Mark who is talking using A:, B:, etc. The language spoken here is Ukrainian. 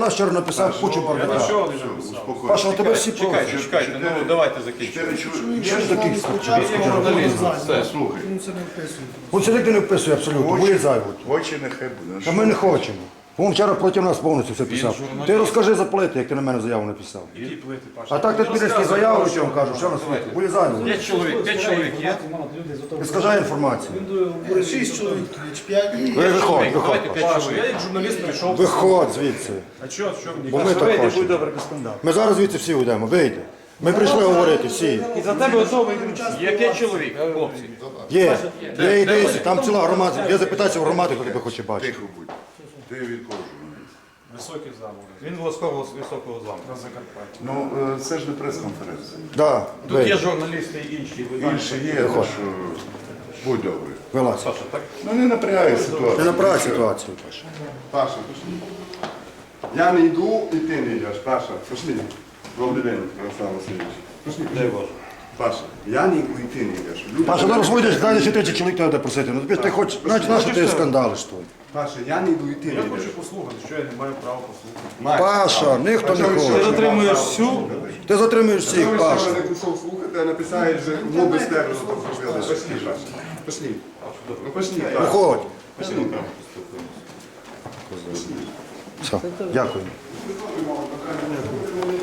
A: нас вчора написав кучу бардака. Паша, у тебе всі просять.
B: Чекайте, ну давайте закінчимо.
A: Що ж таких
B: Журналіст, все.
C: Слухай,
A: Ось сюди не вписує абсолютно, вилізай.
C: очі нехай буде.
A: Та ми не хочемо. Він вчора проти нас повністю все писав. Ти розкажи за плити, як ти на мене заяву написав.
B: Які плити, Паша?
A: А так ти підеш ті заяву, що я вам кажу, що на світі. Вилізай.
B: 5 чоловік є?
A: Ти скажи інформацію.
D: 6 чоловік, чи 5.
A: Виходь, виходь.
B: Давайте 5 чоловік. Я як журналіст прийшов.
A: Виходь звідси.
B: А що мені?
A: Бо ми так хочемо. Ми зараз звідси всі уйдемо, вийде. Ми прийшли говорити всі.
B: І за тебе готовий. Є 5 чоловік, хлопці.
A: Є, йди, там ціла громада. Я запитаюся в громади, хто тебе хоче бачити.
C: Тихо будь. Ти від кого журналіст?
B: Високий замок.
E: Він власково високого замку.
B: На Закарпатті.
C: Ну, це ж не прес-конференція.
A: Да,
B: Тут є
A: вийде.
B: журналісти і інші.
C: Інше є, так що будь добрий.
A: Вилазь.
B: Саша, так?
C: Ну не напрягай
A: Ти
C: ситуацію.
A: направ ситуацію, Паша.
F: Паша, пошли. Я не йду, і ти не йдеш. Паша, пошли. Добрий день, Олександр Васильович. Пошли,
B: Дай
F: пошли.
B: Боже.
F: Паша, я не йду, і ти не йдеш. Люди-
A: Паша, зараз вийдеш, далі ще 30 чоловік тебе буде просити. Ну ти хоч, знаєш, на що ти скандалиш тут?
F: Паша, я не йду, і ти не
B: Я
F: йдеш.
B: хочу послухати, що я не маю права послухати.
F: Маєш
A: Паша,
F: право.
A: ніхто не
F: А чого ви
A: хоче.
F: ще
E: Затримуєш
F: право
E: всю?
F: слухати?
A: Ти затримуєш
F: Чого
A: всіх,
F: ви
A: Паша.
F: ще не пішов слухати, а написають, що ну без тебе зробили. Пошли, Паша. Пошли. Ну пошли, Паша.
A: Виходь.
F: Пошли.
A: Все, дякую.